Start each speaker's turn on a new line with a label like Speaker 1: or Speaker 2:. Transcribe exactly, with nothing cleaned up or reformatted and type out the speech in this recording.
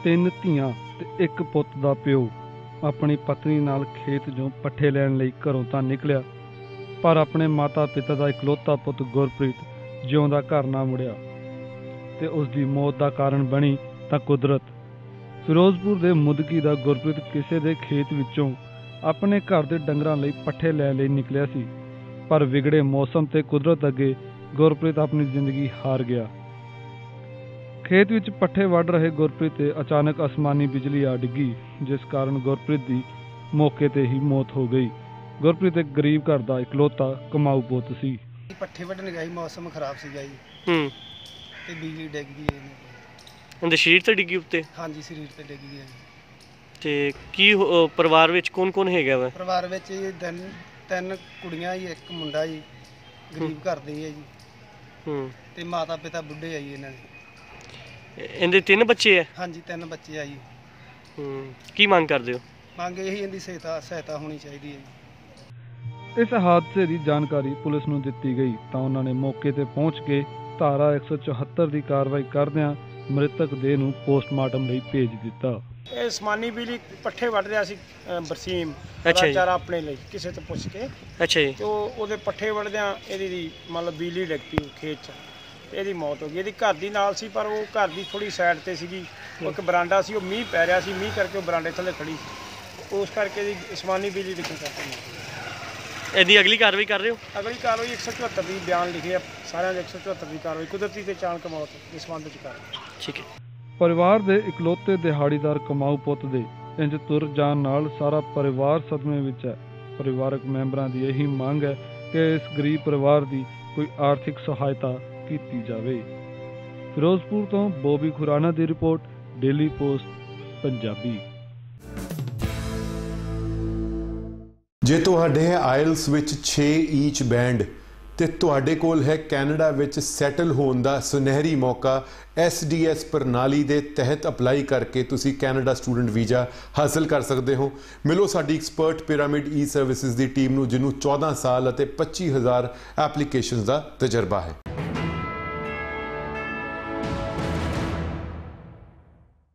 Speaker 1: तीन धीआं ते एक पुੱਤ ਦਾ ਪਿਓ अपनी पत्नी नाल खेत चों पट्ठे लैण लई घरों तां निकलिया, पर अपने माता पिता का इकलौता पुੱਤ गुरप्रीत जिउंदा घर ना मुड़िया ते उसकी मौत का कारण बनी तां कुदरत। फिरोजपुर के मुदकी का गुरप्रीत किसी के खेत विचों अपने घर के डंगरां लई पट्ठे लैण लई निकलिया सी, पर विगड़े मौसम ते कुदरत अगे गुरप्रीत अपनी जिंदगी हार गया। खेत विच पट्ठे वढ़ रहे गुरप्रीत ते अचानक आसमानी बिजली आ डिगी, जिस कारण गुरप्रीत की मौके ते ही मौत हो गई। गुरप्रीत एक गरीब घर का इकलौता कमाऊ पुੱਤ सी।
Speaker 2: पट्ठे वढ़न गया, मौसम खराब सीगा जी,
Speaker 1: हम्म
Speaker 2: ते बिजली डिग गई है।
Speaker 1: ਉਹਦੇ शरीर ते डिगी उत्ते?
Speaker 2: हाँ जी, शरीर ते डिग गई है।
Speaker 1: ਤੇ ਕੀ ਪਰਿਵਾਰ ਵਿੱਚ ਕੌਣ ਕੌਣ ਹੈਗਾ ਵਾ?
Speaker 2: ਪਰਿਵਾਰ ਵਿੱਚ ਜੀ ਤਿੰਨ ਤਿੰਨ ਕੁੜੀਆਂ ਜੀ, ਇੱਕ ਮੁੰਡਾ ਜੀ, ਗਰੀਬ ਘਰ ਦੇ ਹੈ ਜੀ।
Speaker 1: ਹੂੰ
Speaker 2: ਤੇ ਮਾਤਾ ਪਿਤਾ ਬੁੱਢੇ ਆ ਜੀ ਇਹਨਾਂ ਦੇ।
Speaker 1: ਇਹਦੇ ਤਿੰਨ ਬੱਚੇ ਆ?
Speaker 2: ਹਾਂਜੀ, ਤਿੰਨ ਬੱਚੇ ਆ ਜੀ।
Speaker 1: ਹੂੰ ਕੀ ਮੰਗ ਕਰਦੇ ਹੋ?
Speaker 2: ਮੰਗ ਇਹੀ ਇਹਦੀ ਸਹਾਇਤਾ ਸਹਾਇਤਾ ਹੋਣੀ ਚਾਹੀਦੀ ਹੈ ਜੀ।
Speaker 1: ਇਸ ਹਾਦਸੇ ਦੀ ਜਾਣਕਾਰੀ ਪੁਲਿਸ ਨੂੰ ਦਿੱਤੀ ਗਈ ਤਾਂ ਉਹਨਾਂ ਨੇ ਮੌਕੇ ਤੇ ਪਹੁੰਚ ਕੇ ਧਾਰਾ ਇੱਕ ਸੌ ਚੁਹੱਤਰ ਦੀ ਕਾਰਵਾਈ ਕਰਦਿਆਂ ਮ੍ਰਿਤਕ ਦੇਹ ਨੂੰ ਪੋਸਟਮਾਰਟਮ ਲਈ ਭੇਜ ਦਿੱਤਾ।
Speaker 2: ਇਹ ਸਮਾਨੀ ਬਿਜਲੀ ਪੱਠੇ ਵੱਢ ਰਿਹਾ ਸੀ ਬਰਸੀਮ
Speaker 1: ਅੱਛਾ ਜੀ,
Speaker 2: ਚਾਰਾ ਆਪਣੇ ਲਈ ਕਿਸੇ ਤੋਂ ਪੁੱਛ ਕੇ।
Speaker 1: ਅੱਛਾ ਜੀ।
Speaker 2: ਤੇ ਉਹ ਉਹਦੇ ਪੱਠੇ ਵੱਢਦਿਆਂ ਇਹਦੀ ਦੀ ਮਤਲਬ ਬਿਜਲੀ ਡਿੱਗ ਪਈ ਖੇਤ 'ਚ ਤੇ ਇਹਦੀ ਮੌਤ ਹੋ ਗਈ। ਇਹਦੀ ਘਰ ਦੀ ਨਾਲ ਸੀ, ਪਰ ਉਹ ਘਰ ਦੀ ਥੋੜੀ ਸਾਈਡ ਤੇ ਸੀਗੀ। ਉਹ ਇੱਕ ਬਰਾਂਡਾ ਸੀ, ਉਹ ਮੀਂਹ ਪੈ ਰਿਹਾ ਸੀ, ਮੀਂਹ ਕਰਕੇ ਉਹ ਬਰਾਂਡੇ ਥੱਲੇ ਖੜੀ ਸੀ, ਉਸ ਕਰਕੇ ਇਹਦੀ ਸਮਾਨੀ ਬਿਜਲੀ ਡਿੱਗਣ ਕਰਕੇ।
Speaker 1: ਇਹਦੀ ਅਗਲੀ ਕਾਰਵਾਈ ਕਰ ਰਹੇ ਹੋ?
Speaker 2: ਅਗਲੀ ਕਾਰਵਾਈ ਇੱਕ ਸੌ ਚੁਹੱਤਰ ਦੀ ਬਿਆਨ ਲਿਖੇ ਆ ਸਾਰਿਆਂ ਦੇ, ਇੱਕ ਸੌ ਚੁਹੱਤਰ ਦੀ ਕਾਰਵਾਈ ਕੁਦਰਤੀ ਤੇ ਅਚਾਨਕ ਮੌਤ ਦੇ ਸੰਬੰਧ ਵਿੱਚ ਕਰ।
Speaker 1: ਠੀਕ ਹੈ। ਪਰਿਵਾਰ ਦੇ ਇਕਲੌਤੇ ਦਿਹਾੜੀਦਾਰ ਕਮਾਊ ਪੁੱਤ ਦੇ ਇੰਜ ਤੁਰ ਜਾਣ ਨਾਲ ਸਾਰਾ ਪਰਿਵਾਰ ਸਦਮੇ ਵਿੱਚ ਹੈ। ਪਰਿਵਾਰਕ ਮੈਂਬਰਾਂ ਦੀ ਇਹੀ ਮੰਗ ਹੈ ਕਿ ਇਸ ਗਰੀਬ ਪਰਿਵਾਰ ਦੀ ਕੋਈ ਆਰਥਿਕ ਸਹਾਇਤਾ ਕੀਤੀ ਜਾਵੇ। ਫਿਰੋਜ਼ਪੁਰ ਤੋਂ ਬੋਬੀ ਖੁਰਾਨਾ ਦੀ ਰਿਪੋਰਟ, ਡੇਲੀ ਪੋਸਟ ਪੰਜਾਬੀ।
Speaker 3: ਜੇ ਤੁਹਾਡੇ ਆਇਲਸ ਵਿੱਚ ਛੇ ਈਚ ਬੈਂਡ ਤੇ ਤੁਹਾਡੇ ਕੋਲ ਹੈ ਕੈਨੇਡਾ ਵਿੱਚ ਸੈਟਲ ਹੋਣ ਦਾ ਸੁਨਹਿਰੀ ਮੌਕਾ, ਐਸ ਡੀ ਐਸ ਪ੍ਰਣਾਲੀ ਦੇ ਤਹਿਤ ਅਪਲਾਈ ਕਰਕੇ ਤੁਸੀਂ ਕੈਨੇਡਾ ਸਟੂਡੈਂਟ ਵੀਜ਼ਾ ਹਾਸਲ ਕਰ ਸਕਦੇ ਹੋ। ਮਿਲੋ ਸਾਡੀ ਐਕਸਪਰਟ ਪਿਰਾਮਿਡ ਈ ਸਰਵਿਸਿਜ਼ ਦੀ ਟੀਮ ਨੂੰ, ਜਿਹਨੂੰ ਚੌਦਾਂ ਸਾਲ ਅਤੇ ਪੱਚੀ ਹਜ਼ਾਰ ਐਪਲੀਕੇਸ਼ਨਸ ਦਾ ਤਜਰਬਾ ਹੈ।